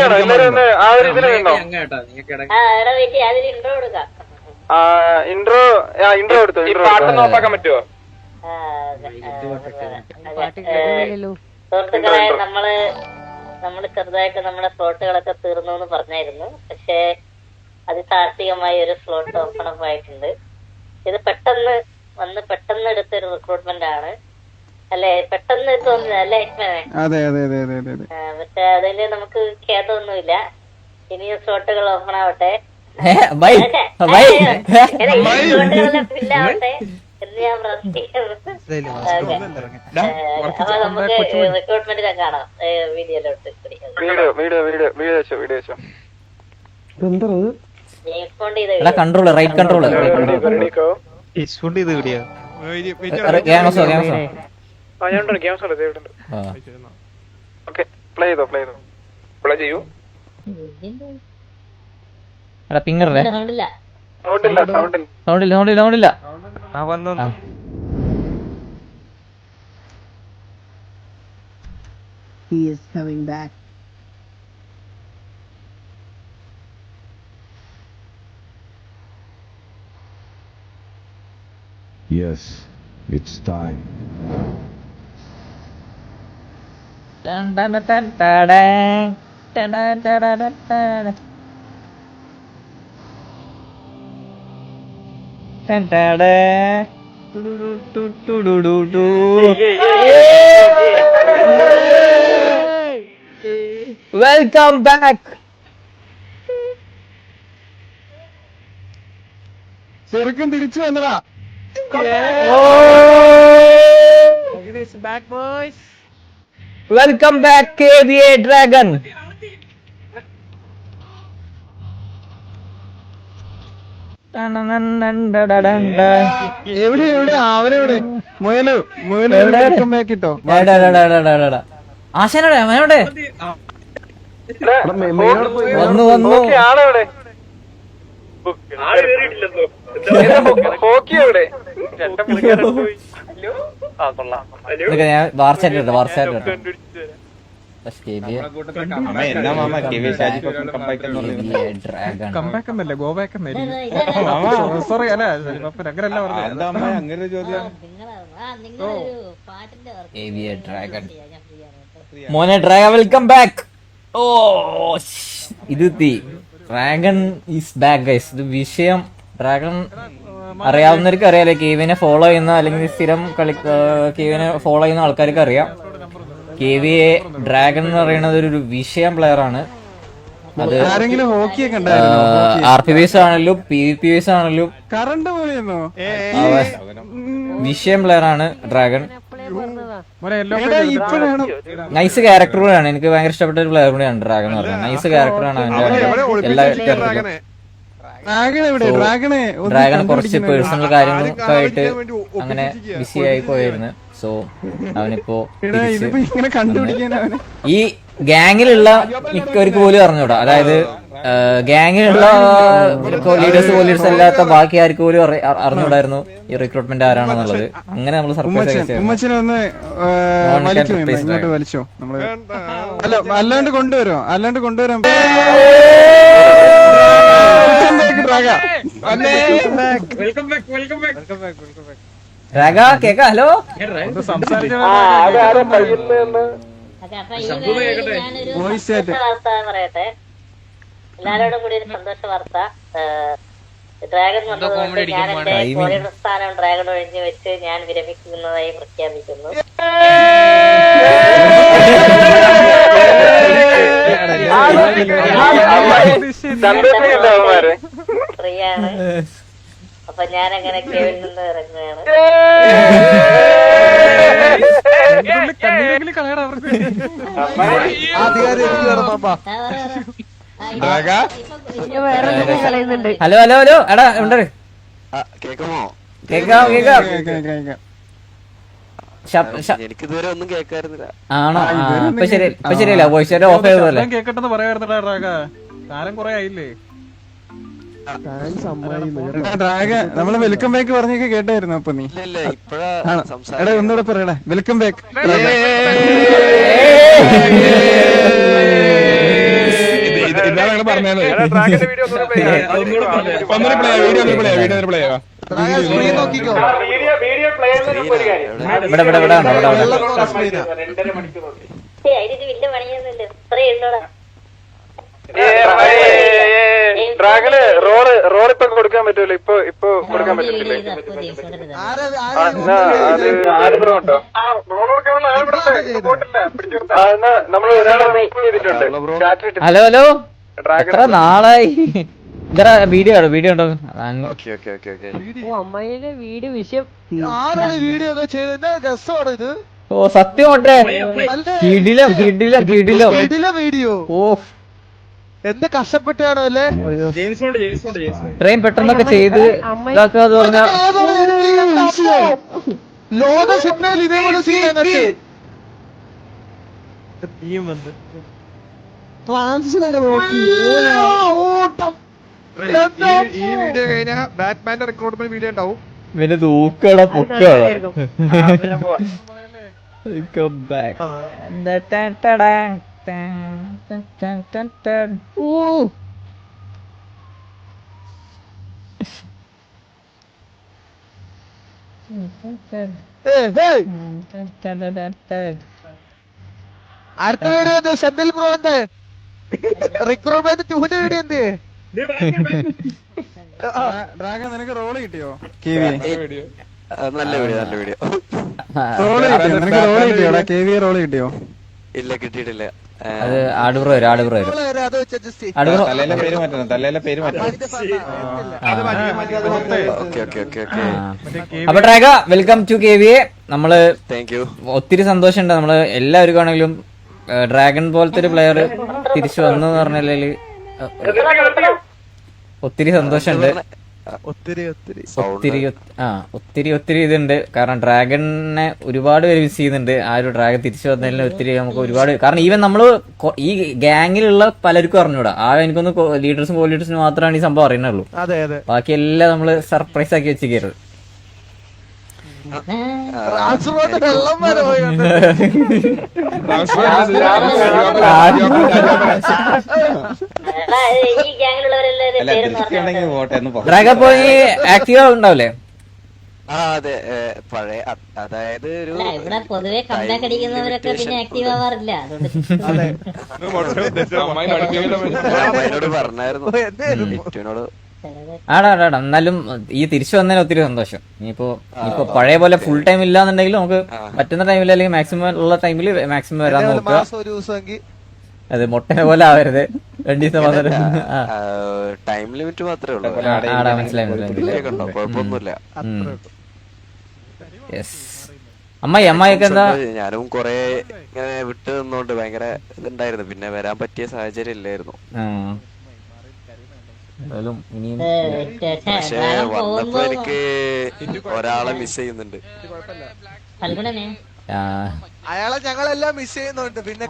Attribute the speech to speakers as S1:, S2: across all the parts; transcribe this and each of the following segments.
S1: Intro എടുത്തു. പാട്ടൊന്ന് ഓഫാക്കാൻ പറ്റുമോ?
S2: സുഹൃത്തുക്കളെ, നമ്മള് ചെറുതായിട്ട് നമ്മുടെ സ്ലോട്ടുകളൊക്കെ തീർന്നു എന്ന് പറഞ്ഞായിരുന്നു. പക്ഷെ അതിസാഹസികമായി ഒരു സ്ലോട്ട് ഓപ്പൺ അപ്പ് ആയിട്ടുണ്ട്. ഇത് പെട്ടെന്ന് എടുത്തൊരു റിക്രൂട്ട്മെന്റ് ആണ് അല്ലെ? പെട്ടെന്ന് തോന്നുന്നത് അല്ലെ ഹിറ്റ്മാനെ? പക്ഷെ അതില് നമുക്ക് ഖേദമൊന്നുമില്ല. ഇനിയും സ്ലോട്ടുകൾ ഓപ്പൺ ആവട്ടെ, സ്ലോട്ടുകളെല്ലാം ഫില്ലാവട്ടെ എന്ന് ഞാൻ പ്രാർത്ഥിക്കുന്നു. അപ്പൊ നമുക്ക് റിക്രൂട്ട്മെന്റിനെ കാണാം വീഡിയോയിലോട്ട്.
S3: കൺട്രോള് റൈറ്റ് കൺട്രോള് പിങ്ങറേ സൗണ്ടില്ല.
S4: He is coming back.
S5: Yes, it's time.
S3: Dun dun dun dun dun dun dun dun dun. Dun dun dun. Welcome back.
S1: ചെറുക്കൻ തിരിച്ചു വന്നടാ.
S3: Welcome back KVA Dragon.
S1: എവിടെ അവനെവിടെ?
S3: ആശാനോടെ അവനോടെ വന്നു ഞാൻ വാർച്ചാറ്റ് മോനെ ഡ്രാഗൺ വെൽക്കം ബാക്ക്. ഓ ഇത് ഡ്രാഗൺ ഈസ് ബാക്ക് ഗൈസ്. ഇത് വിഷയം ഡ്രാഗൺ അറിയാവുന്നവർക്ക് അറിയാലോ. കേവിനെ ഫോളോ ചെയ്യുന്ന അല്ലെങ്കിൽ സ്ഥിരം കേവിനെ ഫോളോ ചെയ്യുന്ന ആൾക്കാർക്ക് അറിയാം. KVA ഡ്രാഗൺ എന്ന് പറയുന്നത് ഒരു വിഷയം പ്ലെയർ ആണ്. അത് RPVs ആണെങ്കിലും PvPs ആണെങ്കിലും വിഷയം പ്ലെയർ ആണ് ഡ്രാഗൺ. നൈസ് ക്യാരക്ടർ കൂടെയാണ്. എനിക്ക് ഭയങ്കര ഇഷ്ടപ്പെട്ട ഒരു പ്ലെയർ കൂടെയാണ് ഡ്രാഗൺ എന്ന് പറയുന്നത്. നൈസ് ക്യാരക്ടറാണ് അവന്റെ എല്ലാ ഡ്രാഗൺ കുറച്ച് പേഴ്സണൽ കാര്യങ്ങളൊക്കെ ആയിട്ട് അങ്ങനെ ബിസി ആയി പോയിരുന്നു. സോ അവനിപ്പോ ഈ ഗാങ്ങിലുള്ള മിക്കവർക്ക് പോലും അറിഞ്ഞൂടാ. അതായത് ഗാങ്ങിലുള്ള ലീഡേഴ്സ് അല്ലാത്ത ബാക്കി ആർക്ക് പോലും അറിഞ്ഞൂടായിരുന്നു ഈ റിക്രൂട്ട്മെന്റ് ആരാണെന്നുള്ളത്. അങ്ങനെ നമ്മൾ സർപ്രൈസ്
S1: അല്ലാണ്ട് കൊണ്ടുവരാൻ
S3: ഹലോ
S2: പറയട്ടെ എല്ലാരോടും കൂടി ഒരു സന്തോഷ വാർത്ത. ഡ്രാഗൺ വന്നതുകൊണ്ട് ഞാൻ എന്റെ കോറിയുടെ സ്ഥാനം ഡ്രാഗൺ ഒഴിഞ്ഞു വെച്ച് ഞാൻ വിരമിക്കുന്നതായി പ്രഖ്യാപിക്കുന്നു. ഫ്രീയാണ്. അപ്പൊ ഞാൻ അങ്ങനെ കേവിൽ നിന്ന് ഇറങ്ങുകയാണ്.
S3: ഹലോ എടാ ഉണ്ട് കേക്കാം
S6: എനിക്കിതുവരെ ഒന്നും കേൾക്കാറുന്നില്ല.
S3: ആണോ? ഇപ്പൊ ശരിയല്ല വോയിസ് ഓഫ് ചെയ്തല്ലേ?
S1: കേക്കട്ടെന്ന് പറയാറുണ്ടോ കാലം കൊറേ ആയില്ലേ? നമ്മള് വെൽക്കം ബാക്ക് പറഞ്ഞൊക്കെ കേട്ടായിരുന്നു. അപ്പൊ നീ എടാ ഒന്നുകൂടെ പറയടാ. Welcome back.
S4: ഞങ്ങൾ പറഞ്ഞത് ഒന്നൊരു പ്ലേ വീഡിയോ പ്ലേ
S7: നോക്കിക്കോ
S2: അതിന് വലിയ പണിയൊന്നുമില്ല ഇത്രേ ഉള്ളൂടാ.
S4: ഡ്രാഗന് റോൾ ഇപ്പൊ കൊടുക്കാൻ പറ്റൂല, ഇപ്പൊ കൊടുക്കാൻ പറ്റത്തില്ലേ? നമ്മൾ ചെയ്തിട്ടുണ്ട്.
S3: ഹലോ ഹലോ എത്ര നാളായി ഇതറ വീഡിയോ ഉണ്ടോ?
S8: അമ്മയിലെ വീഡിയോ വിഷയം
S7: വീഡിയോ ഒക്കെ ചെയ്തത് രസമാണ് ഇത്.
S3: ഓ സത്യം ഉണ്ടേ കിടിലം കിടിലം കിടിലം
S7: വീഡിയോ
S3: ഓ
S7: എന്ത് കഷ്ടപ്പെട്ടാണോ അല്ലേ?
S3: ഇത്രയും പെട്ടെന്നൊക്കെ ചെയ്ത് ഇതാക്കാന്ന് പറഞ്ഞ
S7: ലോക സിനിമയിൽ ഇതേപോലെ സീൻ ഈ വീഡിയോ കഴിഞ്ഞാൽ ബാറ്റ്മാന്റെ റിക്രൂട്ട്മെന്റ് വീഡിയോ ഉണ്ടാവും.
S3: പിന്നെ തൂക്കട പൊക്കട
S7: അടുത്ത വീഡിയോ എന്ത്? സെന്തിൽ ബ്രോ എന്ത് റിക്രൂട്ട്മെന്റ് 2ന്റെ വീഡിയോ എന്ത്?
S1: ഡ്രാഗൺ നിനക്ക് റോള് കിട്ടിയോ?
S6: നല്ല വീഡിയോ
S1: റോള് കിട്ടിയോ? നിനക്ക് റോള് കിട്ടിയോടാ? KV റോള് കിട്ടിയോ?
S6: ഇല്ല, കിട്ടിയിട്ടില്ല.
S3: അത് ആടുപ്രോ വരും ആടുപ്രോ വരും
S7: അത് വെച്ച് adjust ചെയ്യ്.
S3: ആടുപ്രോ
S4: തലേലെ പേര് മാറ്റണം, തലേലെ പേര് മാറ്റണം.
S6: ഓക്കെ.
S3: അപ്പൊ ട്രാഗ വെൽക്കം ടു KVA. നമ്മള്
S6: താങ്ക് യു.
S3: ഒത്തിരി സന്തോഷമുണ്ട്. നമ്മള് എല്ലാവർക്കും ആണെങ്കിലും ഡ്രാഗൺ പോലത്തെ ഒരു പ്ലെയർ തിരിച്ചു വന്നു എന്ന് പറഞ്ഞാല് ഒത്തിരി സന്തോഷമുണ്ട്. ഒത്തിരി ഇതുണ്ട്. കാരണം ഡ്രാഗണിനെ ഒരുപാട് പേര് മിസ് ചെയ്യുന്നുണ്ട്. ആ ഒരു ഡ്രാഗൺ തിരിച്ചു വന്നതിൽ ഒത്തിരി നമുക്ക് ഒരുപാട്, കാരണം ഈവൻ നമ്മള് ഈ ഗാങ്ങിലുള്ള പലർക്കും അറിഞ്ഞൂടാ. എനിക്കൊന്ന് ലീഡേഴ്സും കോ ലീഡേഴ്സിനും മാത്രമാണ് ഈ സംഭവം അറിയുന്നുള്ളൂ. ബാക്കി എല്ലാം നമ്മള് സർപ്രൈസ് ആക്കി വെച്ചിരിക്കരുത്.
S7: വെള്ളം വരെ പോയി
S2: ഈ ഗ്യാങ്ങിലുള്ളവരെല്ലാവരും പേര്
S3: ഡ്രാഗ പോയി ആക്റ്റീവ് ഉണ്ടാവില്ലേ?
S6: അതെ, പഴയ അതായത് ഒരു
S2: ഇവിടെ പൊതുവെ കമ്പാക്ക് അടിക്കുന്നവരൊക്കെ പിന്നെ ആക്റ്റീവ് ആവാറില്ല.
S6: അമ്മയോട് പറഞ്ഞായിരുന്നു, ലിറ്റുവിനോട്.
S3: ആടാ എന്നാലും ഈ തിരിച്ചു വന്നതിന് ഒത്തിരി സന്തോഷം. ഇനിയിപ്പോ പഴയ പോലെ ഫുൾ ടൈം ഇല്ലാന്നുണ്ടെങ്കിൽ നമുക്ക് പറ്റുന്ന ടൈമിൽ അല്ലെങ്കിൽ മാക്സിമം ഉള്ള ടൈമിൽ മാക്സിമം വരാൻ നോക്കുക. അത് മുട്ടനെ പോലെ ആവരുത്. 2 ദിവസം മാത്രം
S6: ടൈം ലിമിറ്റ് മാത്രമേ ഉള്ളൂ.
S3: ആടാ മനസ്സിലായി.
S6: കുഴപ്പമൊന്നുമില്ല.
S3: അമ്മായിയൊക്കെ എന്താ?
S6: ഞാനും കൊറേ ഇങ്ങനെ വിട്ടു നിന്നോണ്ട് ഭയങ്കര ഇതുണ്ടായിരുന്നു. പിന്നെ വരാൻ പറ്റിയ സാഹചര്യം ഇല്ലായിരുന്നു. പക്ഷെ വന്നപ്പോ എനിക്ക് ഒരാളെ മിസ് ചെയ്യുന്നുണ്ട്.
S7: അയാളെ ഞങ്ങളെല്ലാം മിസ് ചെയ്യുന്നുണ്ട്. പിന്നെ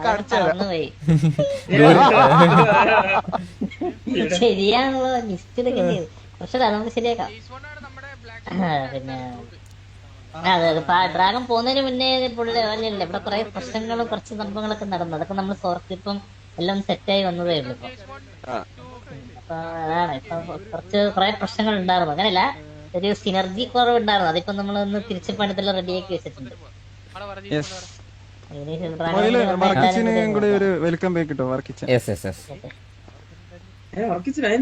S2: ശരിയാണല്ലോ, ലിസ്റ്റ് പക്ഷെ നമുക്ക് ശരിയാക്കാം. പിന്നെ ഡ്രാഗൺ പോകുന്നതിന് മുന്നേ അല്ലല്ല, ഇവിടെ കുറെ പ്രശ്നങ്ങളും കുറച്ച് സംഭവങ്ങളൊക്കെ നടന്നു. അതൊക്കെ നമ്മൾ ഇപ്പം എല്ലാം സെറ്റായി വന്നതേ ഉള്ളൂ. അപ്പൊ അതാണ് ഇപ്പൊ കുറെ പ്രശ്നങ്ങൾ ഉണ്ടായിരുന്നു. അങ്ങനെയല്ല, ഒരു സിനർജി കുറവ് ഉണ്ടായിരുന്നു. അതിപ്പോ നമ്മളൊന്ന് തിരിച്ചു പണിതെല്ലാം റെഡിയാക്കി വെച്ചിട്ടുണ്ട്.
S1: വർക്കിച്ചിനെയും കൂടി ഒരു വെൽക്കം ബാക്ക് കിട്ടോ? വർക്കിച്ച